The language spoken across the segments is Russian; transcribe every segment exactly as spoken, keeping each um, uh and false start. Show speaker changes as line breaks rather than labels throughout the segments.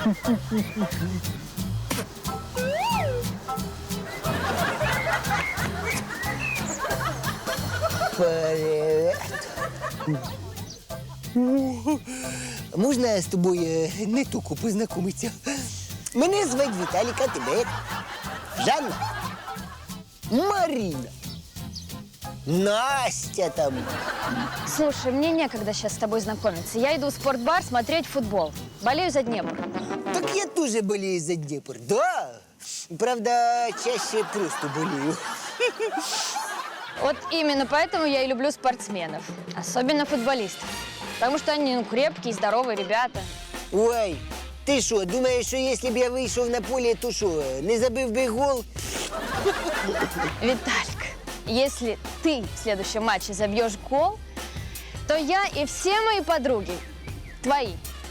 Привет. Можна з тобою не тільки познайомитися? Мене звати Віталік, а тебе як? Жанна? Марина? Настя там?
Слушай, мне некогда сейчас с тобой знакомиться. Я иду в спортбар смотреть футбол. Болею за Днепр.
Так я тоже болею за Днепр, да. Правда, чаще просто болею.
Вот именно поэтому я и люблю спортсменов. Особенно футболистов. Потому что они ну, крепкие, здоровые ребята.
Ой, ти що, думаєш, що якщо б я вийшов на поле, то що, не забив би гол?
Виталька, если ты в следующем матче забьешь гол, то я и все мои подруги твои.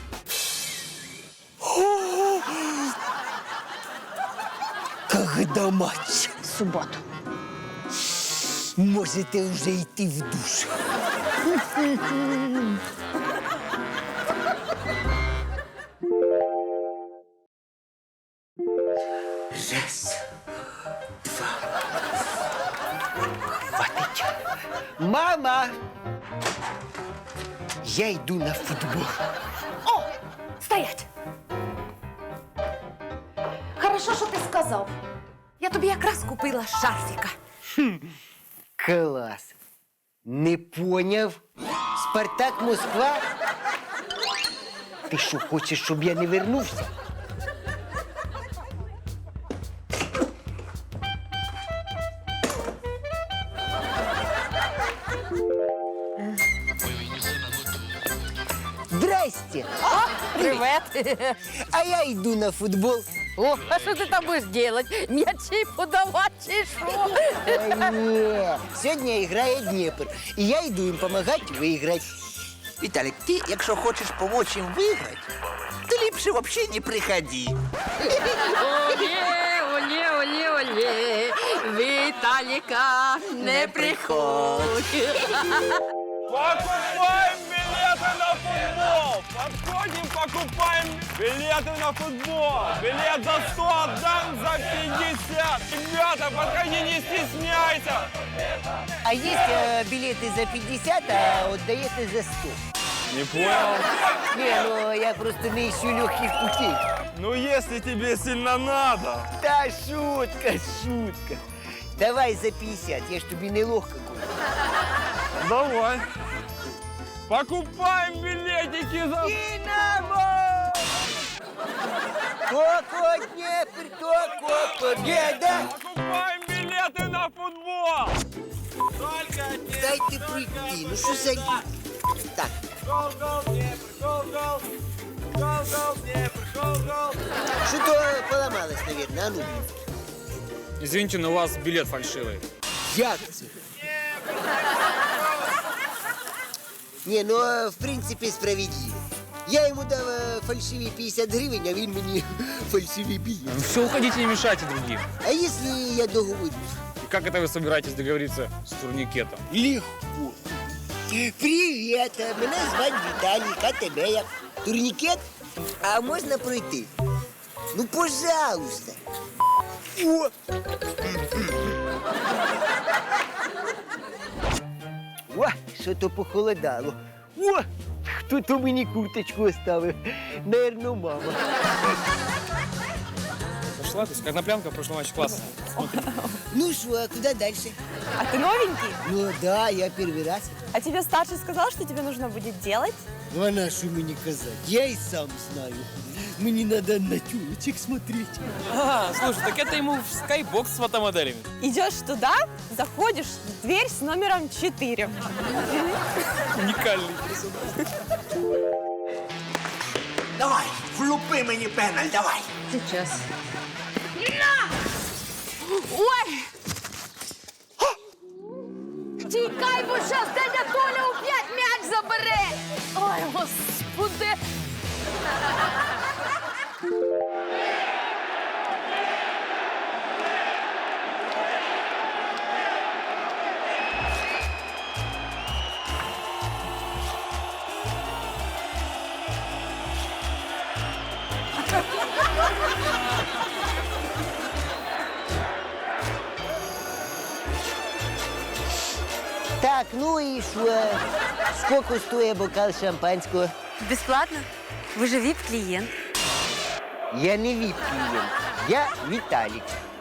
Когда матч?
В субботу.
Можете вже йти в душ. Раз, два. Хватить. Мама! Я йду на футбол.
О, стоять! Хорошо, що ти сказав. Я тобі якраз купила шарфіка.
Клас. Не поняв? Спартак Москва? Ти що, хочеш, щоб я не вернувся? Здрасте!
Привет!
А я йду на футбол.
О, а що ти там будеш делать? М'ячі подавати чи що?
Ой, ні. Сьогодні грає Дніпр. І я йду їм допомагати виграти.
Виталик, ты, якщо хочеш помочь им выиграть, ты ліпше вообще не приходи.
Олє, олє, олє, олє, Віталіка, не приходь.
Покупаем билеты на футбол! Подходим, покупаем билеты на футбол! Билет за сто, отдам за пятьдесят! Ребята, подходи, не стесняйся!
А є е, білети за п'ятдесят, а віддаєте за сто.
Не понял?
Не, ну я просто не ищу легких путей.
Ну, если тебе сильно надо.
Та шутка, шутка. Давай за п'ятдесят, я ж тобі не легко куплю.
Давай. Покупаем билетики за...
Динамо! Коко, Днепр, Коко, победа!
Покупаем билеты на футбол! Только не...
Дайте пройти, ну що за дід? Так,
Гол, гол, Днепр, гол, гол! Гол, гол, Днепр, гол, гол!
що-то поламалось, наверное, а ну.
Извините, но у вас билет фальшивый.
Як це? Ні, ну, в принципі, справедливо. Я йому дав е, фальшиві п'ятдесят гривень, а він мені фальшиві білет.
Все, уходите, не мешайте другим.
А якщо я договорюсь?
И как это вы собираетесь договориться с турникетом?
Легко. Привіт, мене звати Віталік, а тебе як? Турнікет? А можна пройти? Ну, пожалуйста. О! О, що то похолодало. О, хто то мені курточку оставив? Наверно, мама.
Зашла, то есть коноплянка в прошлом матче классно.
Ну що, а куди далі?
А ты новенький?
Ну да, я перший раз.
А тебе старший сказал, что тебе нужно будет делать?
Ну, а на що мені казати? Я і сам знаю. Мені треба на тюлечек смотреть.
А, слушай, так это ему в скайбокс с фотомоделями.
Идешь туда, заходишь в дверь с номером четыре.
Уникальный персонаж.
Давай, влупи мені пеналь, давай.
Сейчас.
Ой! Тікай, бо щас дядя Толя опять м'яч забере! Ой, господи!
Так, ну и что? Сколько стоит бокал шампанского?
Бесплатно? Вы же вип-клиент.
Я не вип-клиент, я Виталик.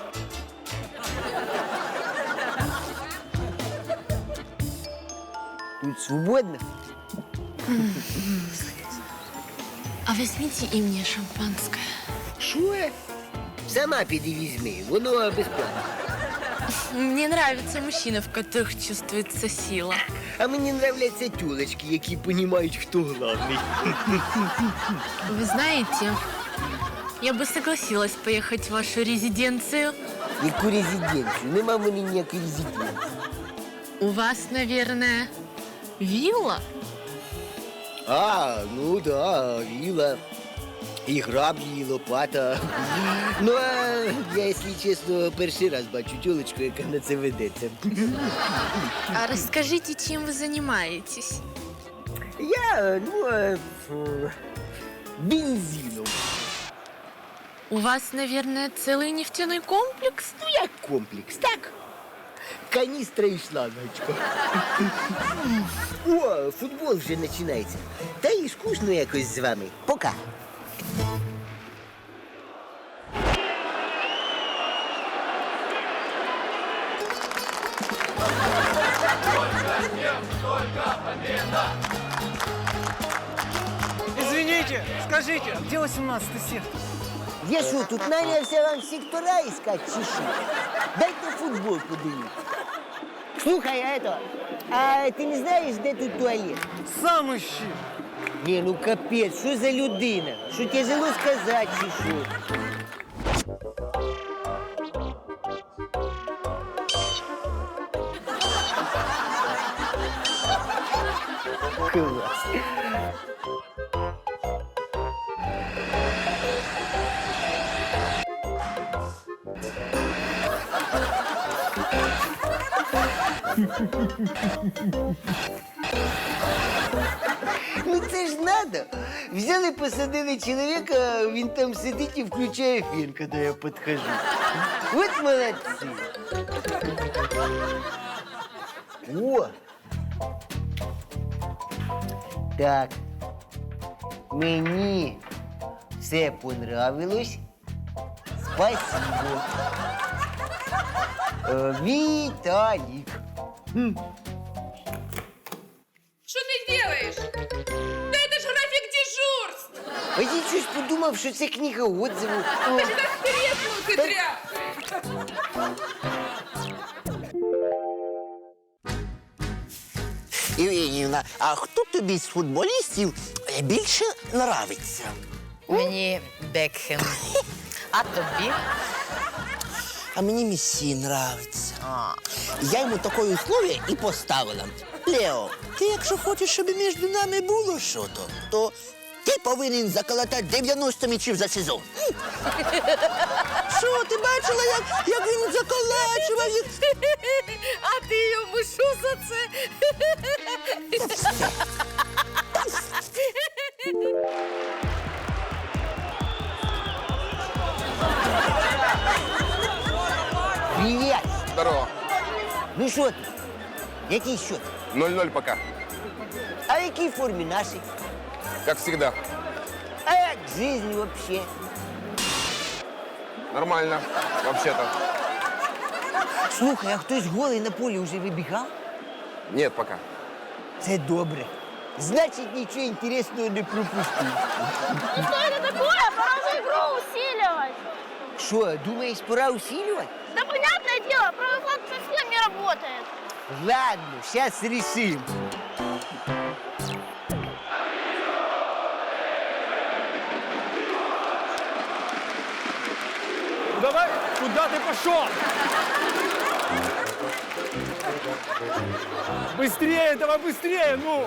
Тут свободно?
А возьмите и мне шампанское.
Що? Сама піди візьми, воно безплатно.
Мне нравятся мужчины, в которых чувствуется сила.
А мені нравляться тюлечки, які розуміють, хто главний.
Вы знаете, я бы согласилась поехать в вашу резиденцию.
Яку резиденцію? Нема в мене ніякої резиденції.
У вас, наверное, вилла?
А, ну да, віла. І граблі, і лопата. Ну, а я, якщо чесно, перший раз бачу тюлечку, яка на це ведеться.
А расскажите, чем вы занимаетесь?
Я, ну, е, фу, бензином.
У вас, наверное, целый нефтяной комплекс?
Ну, як комплекс, так? Каністра і шлангочка. О, футбол вже починається. Та і скучно якось з вами. Пока.
Извините, скажите, где восемнадцатый сектор?
Я що, тут нанявся вам сектора искать, чи що? Дайте футбол подивитися. Слухай, а это, а ти не знаєш, де тут туалет?
Сам ищи.
Ні, ну капець, що за людина? Що тяжело сказати, чи що? Клас. Ну це ж надо. Взяли, посадили чоловіка, він там сидить і включає фен, коли я підхожу. От молодці. О! Так. Мені все понравилось. Спасибо. Е, Віталік. М.
Что ты делаешь? Да это же график дежурств!
А я щось подумав, що це книга отзивів.
Ты же как треснул, ты тряпкой!
Євгенівна, а хто тобі з футболістів більше нравиться?
Мені Бекхем. А тобі?
А мені Месі нравиться. Я йому таке условие і поставила. Лео, ти якщо хочеш, щоб між нами було що-то, то ти повинен заколотати дев'яносто м'ячів за сезон. Що, ти бачила, як, як він заколачував їх?
А ти йому що за це?
Привіт!
Здорово.
Ну що ти? Який счет?
ноль-ноль пока.
А в якій формі наші?
Как всегда.
А як жизнь вообще?
Нормально, вообще-то.
Слухай, а хтось голий на полі вже вибігав?
Нет пока.
Це добре. Значить, нічого інтересного не пропустив.
Что это такое? Пора уже игру усиливать.
Що, думаєш, пора усилювати?
Да понятное дело, правый флаг совсем не работает.
Ладно, сейчас решим.
Давай, куда ты пошел? Быстрее, давай быстрее, ну!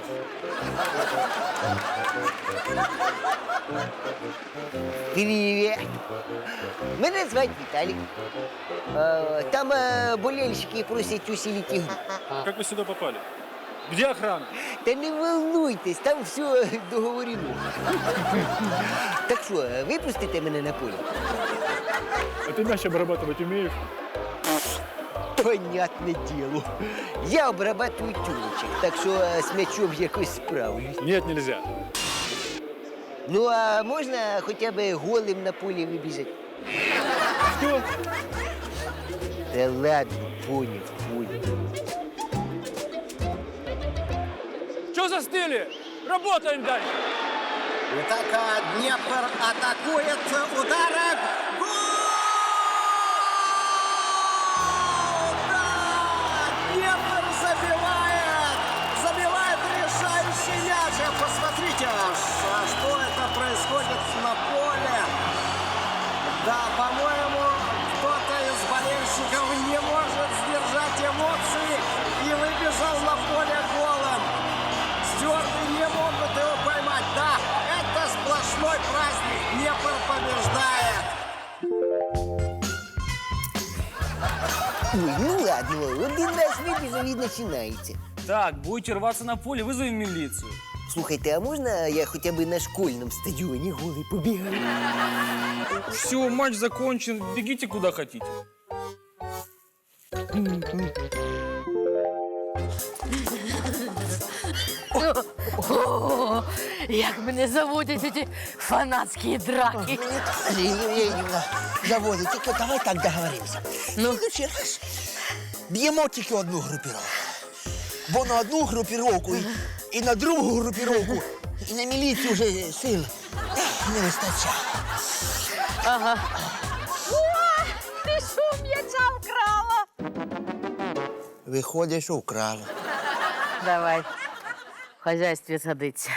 Привет. Мене звати Віталік. Е, Там е, болельщики просять усилити ігру.
Как вы сюда попали?
Где охрана?
Та не волнуйтесь, там все договорено. Так що, випустите мене на поле?
А ты мяч обрабатывать умеешь?
Понятне діло. Я обрабатую тюлочек, так що е, з м'ячом якось справлюсь.
Нет, нельзя.
Ну, а можна хоча б голим на полі вибіжати?
Что?
Та ладно, понял, понял.
Что застыли? Работаем дальше.
Атака, Днепр атакует, ударом. Гол! Да! Днепр забивает! Забивает решающий мяч. Посмотрите, а что это происходит на поле. Да, по-моему, кто-то из болельщиков не может сдержать эмоции и выбежал на поле голом. Стюарты не могут его поймать. Да, это сплошной праздник. Днепр побеждает.
Ой, ну ладно, один раз вибіжав і починається.
Так, будете рваться на поле, вызовем милицию.
Слухайте, а можна я хоча б на школьному стадіоні голий побігаю?
Все, матч закончен, бегите куда хотите.
О, як мене заводять ці фанатські драки.
Лилия Евгеньевна, заводит. Тільки давай так договоримся.
Ну?
В следующий раз б'ємо тільки одну групіровку. Бо на одну групіровку і, і на другу групіровку, і на міліцію вже сил не вистачає.
Ага. О, ти що м'яча вкрала?
Виходить, що вкрала.
Давай, в хазяйстві садиться.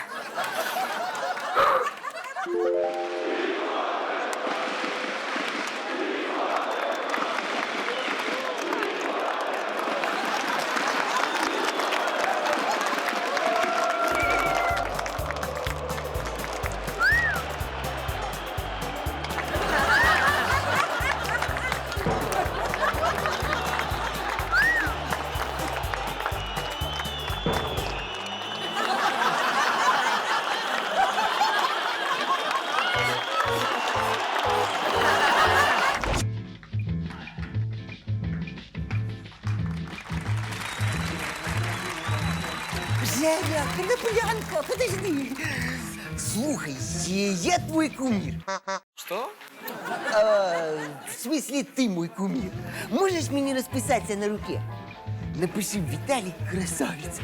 Женя, Коноплянка, подожди. Слухай, я твой кумир.
Что?
А, в смысле, ты мой кумир. Можешь мне расписаться на руке? Напиши Виталий красавец.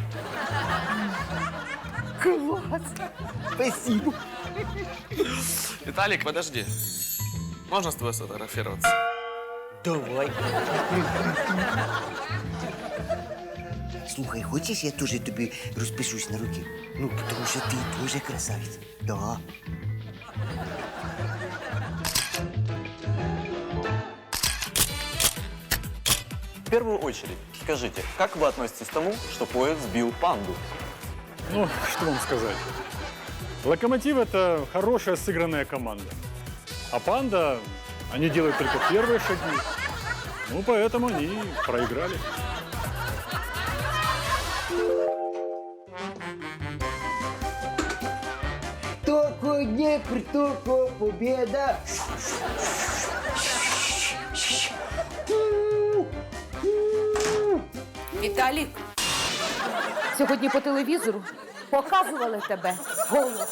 Класс. Спасибо.
Виталик, подожди. Можно с тобой сфотографироваться?
Давай. Слухай, хочешь, я тоже тебе распишусь на руке? Ну, потому что ты тоже красавец. Да.
В первую очередь, скажите, как вы относитесь к тому, что поезд сбил панду?
Ну, что вам сказать. Локомотив – это хорошая сыгранная команда. А панда, они делают только первые шаги. Ну, поэтому они проиграли.
Только Днепр, только победа.
Віталік, сьогодні по телевізору показували тебе голого.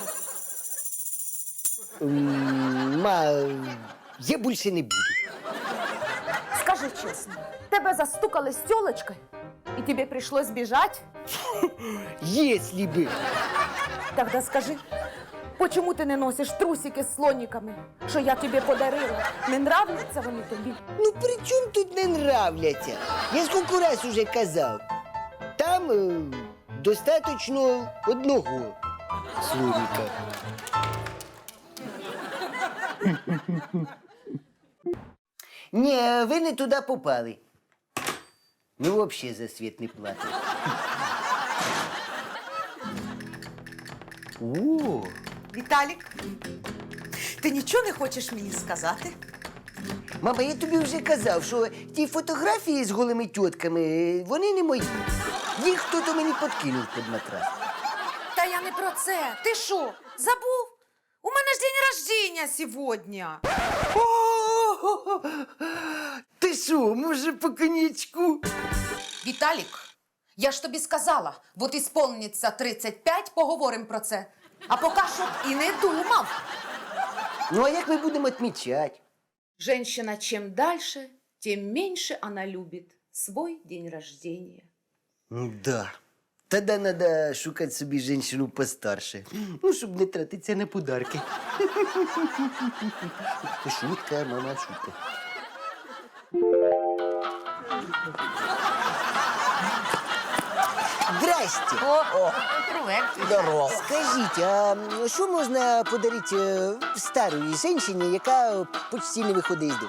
М, Ма, я больше не буду.
Скажи чесно, тебе застукали з тёлочкой, і тобі прийшлось біжать?
Если бы.
Тогда скажи, почему ти не носиш трусики з слоніками, що я тобі подарила? Не нравляться вони тобі?
Ну при чому тут не нравляться? Я скільки раз уже казав. Там е, достаточно одного слоника. Ні, ви не туди попали. Ну, взагалі за світ не платить. О,
Віталік, ти нічого не хочеш мені сказати?
мама, я тобі вже казав, що ті фотографії з голими тітками, вони не мої. Їх хто-то мені подкинув під матрас.
Та я не про це. Ти що, забув? У мене ж день рождения сьогодні.
О, ти що, може по коньячку?
Віталік, я ж тобі сказала, от ісполниться тридцять п'ять, поговоримо про це. А поки що і не думав.
Ну, а як ми будемо відмічати?
Женщина чем дальше, тем меньше она любит свой день рождения.
Да. Тоді треба шукати собі жінку постарше. Ну, щоб не тратитися на подарки. Шутка, мама, шутка. Здрасте.
О, привет.
Здорово.
Скажіть, а що можна подарити е, старій жінці, яка почти не виходить з дому?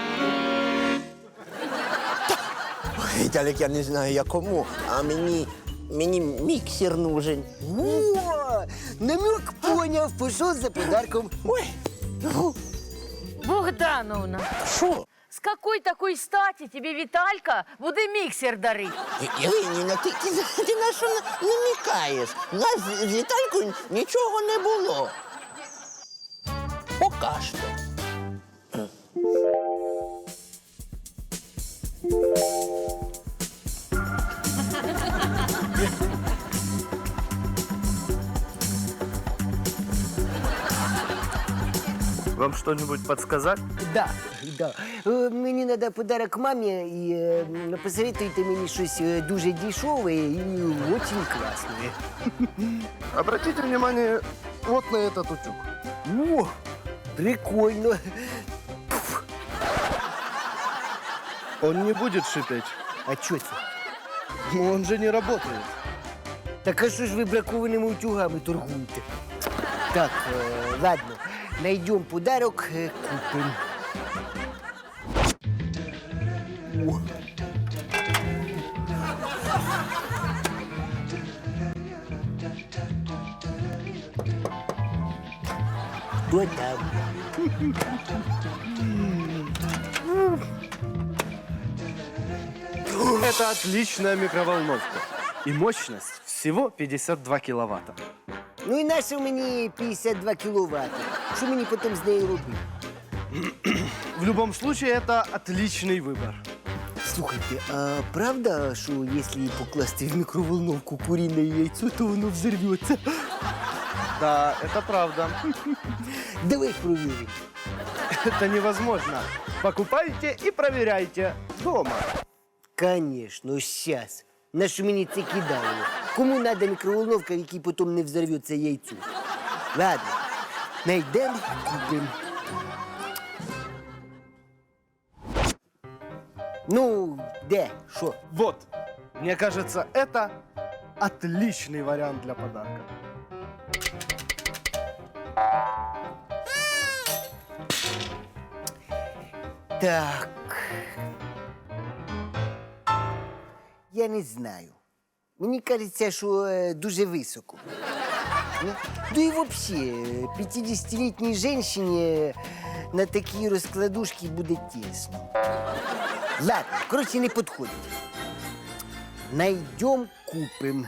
Віталік, я не знаю, я кому, а мені, мені міксер нужен.
О, намек поняв, пішов за подарком.
Ой, ну,
Богдановна,
що?
с какой такой стати тебе Виталька буде міксер дарить?
Євгенівна, ти, ти, ти на що на- намікаєш? У нас з Віталькою нічого не було. Пока що.
Вам что-нибудь подсказать?
Да, да. Е, Мені треба подарок мамі і е, посоветуйте мені щось е, дуже дешеве і дуже класне.
Обратите внимание вот на этот утюг.
О, прикольно.
Он не будет шипеть.
А що це?
Но он же не работает.
Так а що ж ви бракованими утюгами торгуєте? Так, е, ладно, найдем подарок, е, купим. О. Хто там?
Это отличная микроволновка. И мощность всего пятьдесят два киловатта.
Ну і нащо мені п'ятдесят два кіловати? Що мені потім з нею робити?
В любом случае, это отличный выбор.
Слухайте, а правда, що якщо покласти в мікроволновку курине яйцо, то воно взорвется?
Да, это правда.
Давай проверим.
Это невозможно. Покупайте и проверяйте дома.
Конечно, сейчас. На що мені це кидало? Кому треба мікроволновка, в якій потім не взорвется яйцо? Ладно, найдемо, купимо. Ну, де? Що?
Вот. Мне кажется, это отличный вариант для подарка.
Так. Я не знаю. Мені кажеться, що е, дуже високо. Ну, да і взагалі, п'ятдесятилітній жінці на такій розкладушці буде тісно. Ладно, коротше, не підходить. Найдем, купим.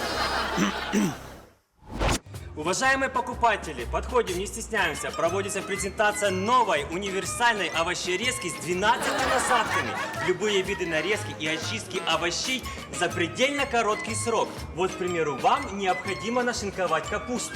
Уважаемые покупатели, подходим, не стесняемся. Проводится презентация новой универсальной овощерезки с двенадцатью насадками. Любые виды нарезки и очистки овощей за предельно короткий срок. Вот, к примеру, вам необходимо нашинковать капусту.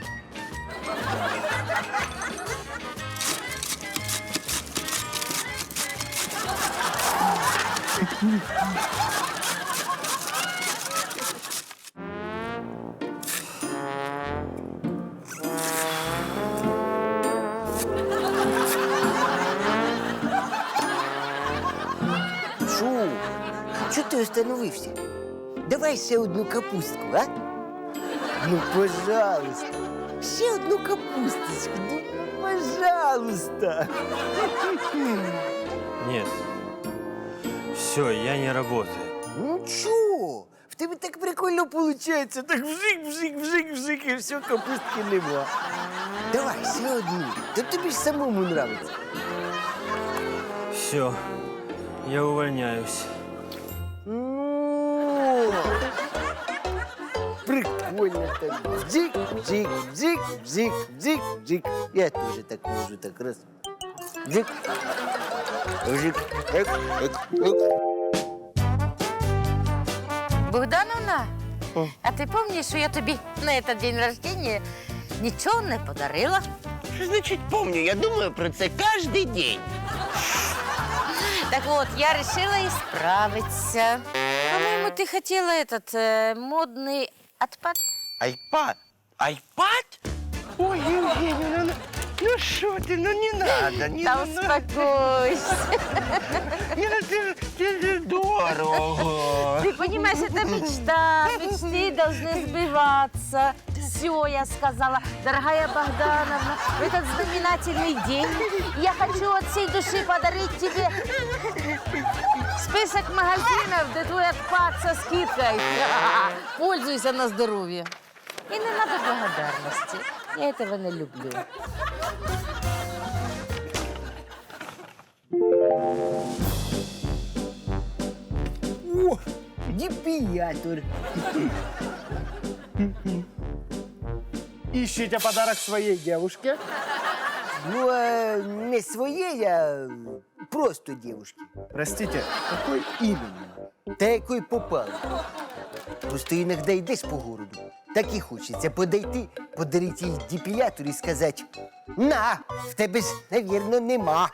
Шо? Чого ти остановився? Давай ще одну капустку, а? Ну, пожалуйста. Ще одну капусточку. Ну, пожалуйста.
Нет. Все, я не работаю.
Ну чого? В тебе так прикольно виходить. Так вжик, вжик, вжик, вжик, і все, капустки нема. Давай, ще одну. Та тобі ж самому нравиться.
Все, я увольняюсь.
Ну, прикольно так. Бджик, бджик, бджик, бджик, бджик, бджик. Я тоже так можу, так раз. Бджик, бджик, эк, эк, эк.
Богдановна, а ти пам'ятаєш, що я тобі на этот день рождения нічого не подарила?
Що значить помню? Я думаю про це кожен день.
Так вот, я решила исправиться. По-моему, ты хотела этот э, модный отпад.
Айпад? Айпад? Ой, Евгения, ну, ну что ты, ну не надо, не
Да
надо.
успокойся.
Это, это дорого.
Ты понимаешь, это мечта. Мечты должны сбываться. Все, я сказала. Дорогая Богдановна, в этот знаменательный день я хочу от всей души подарить тебе список магазинов, где твой отпад со скидкой. Пользуйся на здоровье. И не надо благодарности. Я этого не люблю.
О, депиатор.
Ищите подарок своей девушке?
Ну, а не своей, а просто девушке.
Простите, какой именно?
Та якої попало. Просто іноді йдеш по городу, так і хочеться подойти, подарити їй депілятор і сказати: на, в тебе ж, навірно, нема.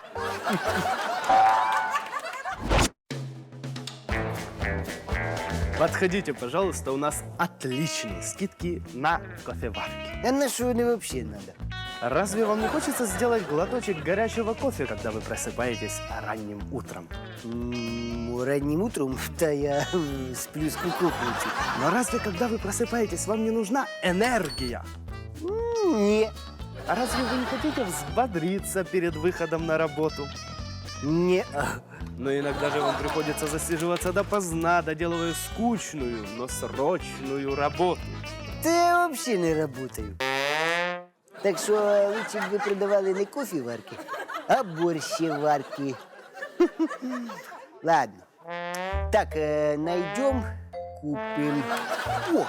Подходите, пожалуйста, у нас отличные скидки на кофеварки.
А на що вони взагалі треба?
Разве вам не хочется сделать глоточек горячего кофе, когда вы просыпаетесь ранним утром?
М, Раннім утром, та я е, сплю з кукухничу.
Но разве, когда вы просыпаетесь, вам не нужна энергия?
Ні.
А разве вы не хотите взбодриться перед выходом на работу?
Ні.
Но иногда же вам приходится засиживаться допоздна, доделывая скучную, но срочную работу.
Та я взагалі не працюю. Так що лучше б ви продавали не кофеварки, а борщеварки. Ладно. Так, е, найдем, купим. О,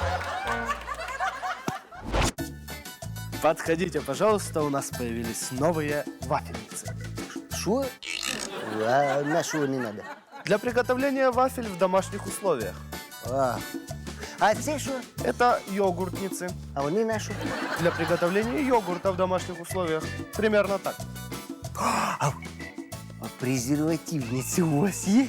Подходите, пожалуйста, у нас появились новые вафельницы.
що? А на що не треба?
Для приготовления вафель в домашних условиях.
А, а це що?
Это йогуртницы.
А вони на що?
Для приготовления йогурта в домашних условиях. Примерно так.
А презервативниці у вас є?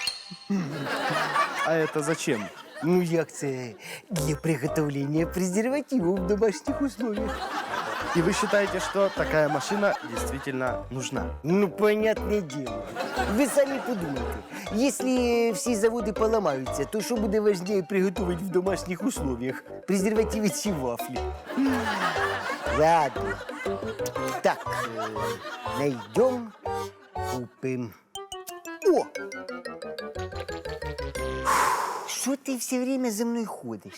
А это зачем?
Ну як це? Для приготовления презервативов в домашних условиях.
И вы считаете, что такая машина действительно нужна?
Ну, понятное дело. Ви самі подумайте, якщо всі заводи поламаються, то що буде важливіше приготувати в домашніх условиях? Презервативи чи вафлі? Ладно. Так, е, найдем, купим. О! Що ти все время за мною ходиш?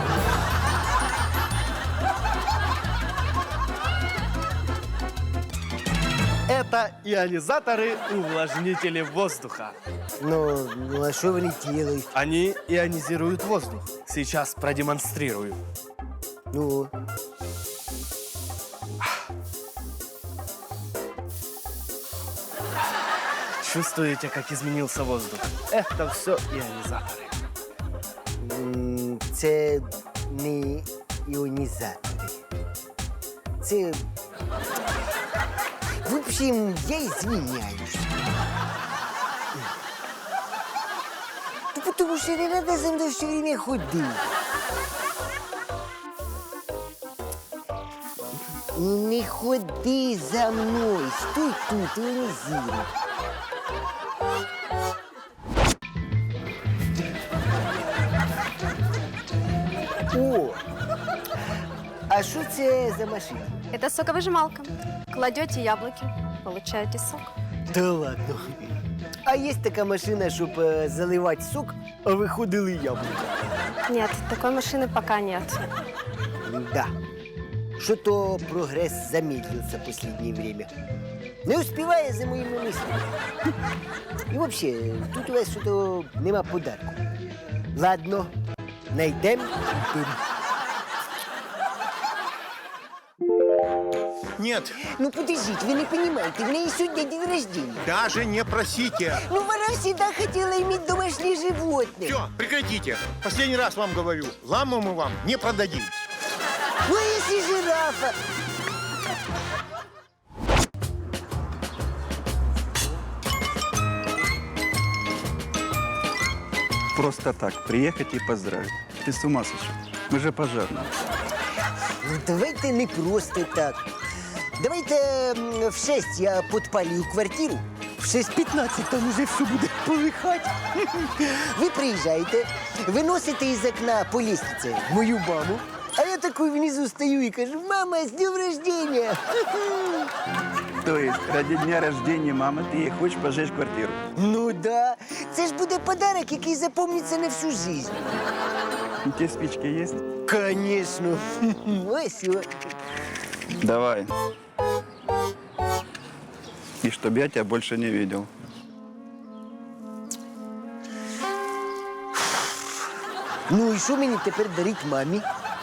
Это ионизаторы-увлажнители воздуха.
Ну, ну а що вони делают?
Они ионизируют воздух. Сейчас продемонстрирую.
Ну,
Чувствуете, как изменился воздух? Это все ионизаторы.
м, це не іонізатори. Це... В общем, я извиняюсь. Да потому что не надо за мной все время ходить. Не ходи за мной, стой тут, ионизируй. О! А що це за машина?
Это соковыжималка. Кладете яблоки, получаете сок.
Да ладно. А є така машина, щоб е, заливати сок, а виходили яблука?
Нет, такой машины пока нет.
Да. Что-то прогресс замедлился в последнее время. Не успевая за моими мыслями. И вообще, тут у вас что-то нема подарку. Ладно, найдем, купим.
Нет.
Ну подождите, вы не понимаете, в ней сегодня день рождения.
Даже не просите.
Ну, она всегда хотела иметь домашнее животное.
Все, прекратите. Последний раз вам говорю, ламу мы вам не продадим.
Ну, а если жирафа?
Просто так приехать и поздравить. Ты с ума сошел? Мы же пожарные.
Ну, давайте не просто так. Давайте м, в шесть я подпалю квартиру, в шесть пятнадцать там уже все будет полыхать. Вы приезжаете, выносите из окна по лестнице мою маму, а я такой внизу стою и кажу: мама, с днем рождения!
То есть ради дня рождения мамы ты ей хочешь пожечь квартиру?
Ну да, це ж буде подарок, який запомниться на всю жизнь.
У тебя спички есть?
Конечно. Ось о.
Давай. И чтобы я тебя больше не видел.
Ну і що мені тепер дарить мамі?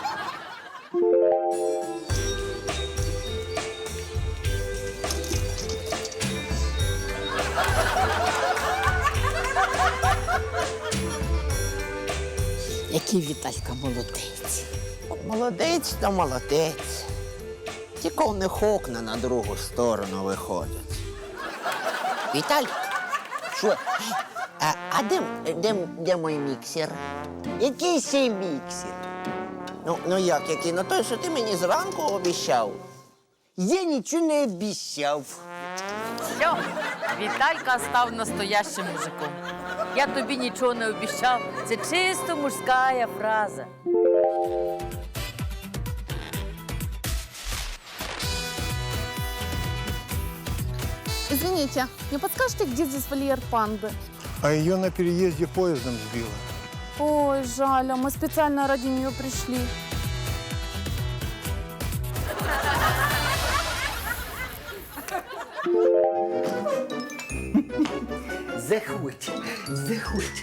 Який Віталька молодець. Молодець та молодець. Тільки в них окна на другу сторону виходять. Віталь, що? А, а де, де, де мій міксер?
Який ще міксер?
Ну, ну як який? Ну той, що ти мені зранку обіцяв.
Я нічого не обіцяв.
Все, Віталька став настоящим мужиком. Я тобі нічого не обіцяв. Це чисто мужська фраза.
Извините, не подскажете, где здесь вольер панды?
А ее на переезде поездом сбило.
Ой, жаль, а мы специально ради нее пришли.
Заходь, заходь.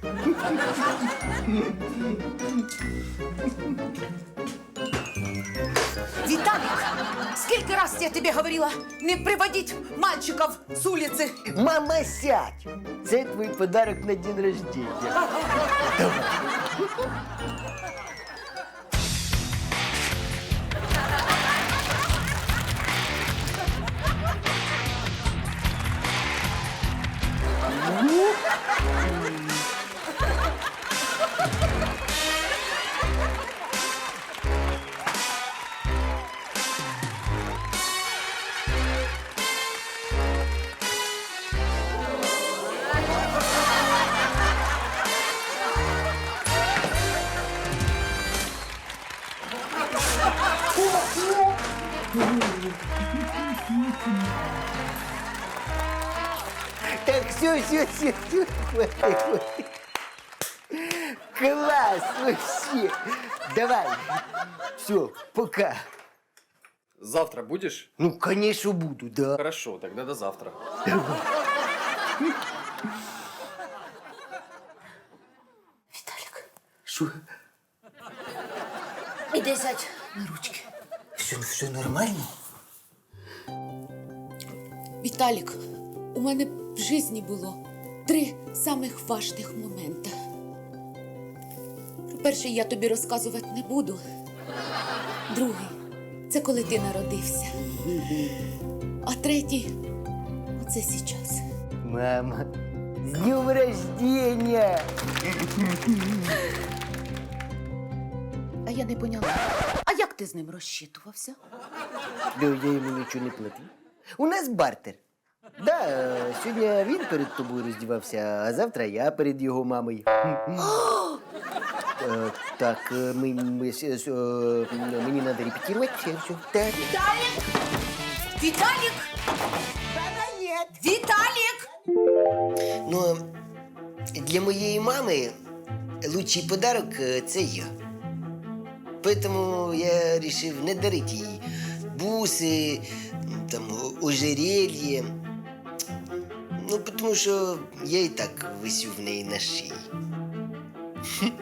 Виталик, сколько раз я тебе говорила не приводить мальчиков с улицы?
Мама, сядь. Це твій подарок на день рождения. Давай. Так, все, все, все, все, хватит, хватит. Класс вообще. Давай. Все, пока.
Завтра будешь?
Ну, конечно, буду, да.
Хорошо, тогда до завтра.
Давай.
Виталик,
Что?
иди сядь на ручки.
Все, все нормально?
Віталік, у мене в житті було три самих важних момента. Про перший я тобі розказувати не буду. Другий – це коли ти народився. А третій – оце зараз.
Мама, с днем рождения!
А я не поняла. А як ти з ним розчитувався?
Да я йому нічого не платив. У нас бартер. Да, е, сьогодні він перед тобою роздівався, а завтра я перед його мамою. Е, Так, е, ми, ми, с- с- е, мені треба репетирувати все, все. Так.
Віталік! Віталік! Віталік!
Ну, для моєї мами лучший подарок е, це я. Поэтому я вирішив не дарити їй буси, там, о- ожерелье. Ну, тому що я і так висю в неї на шиї.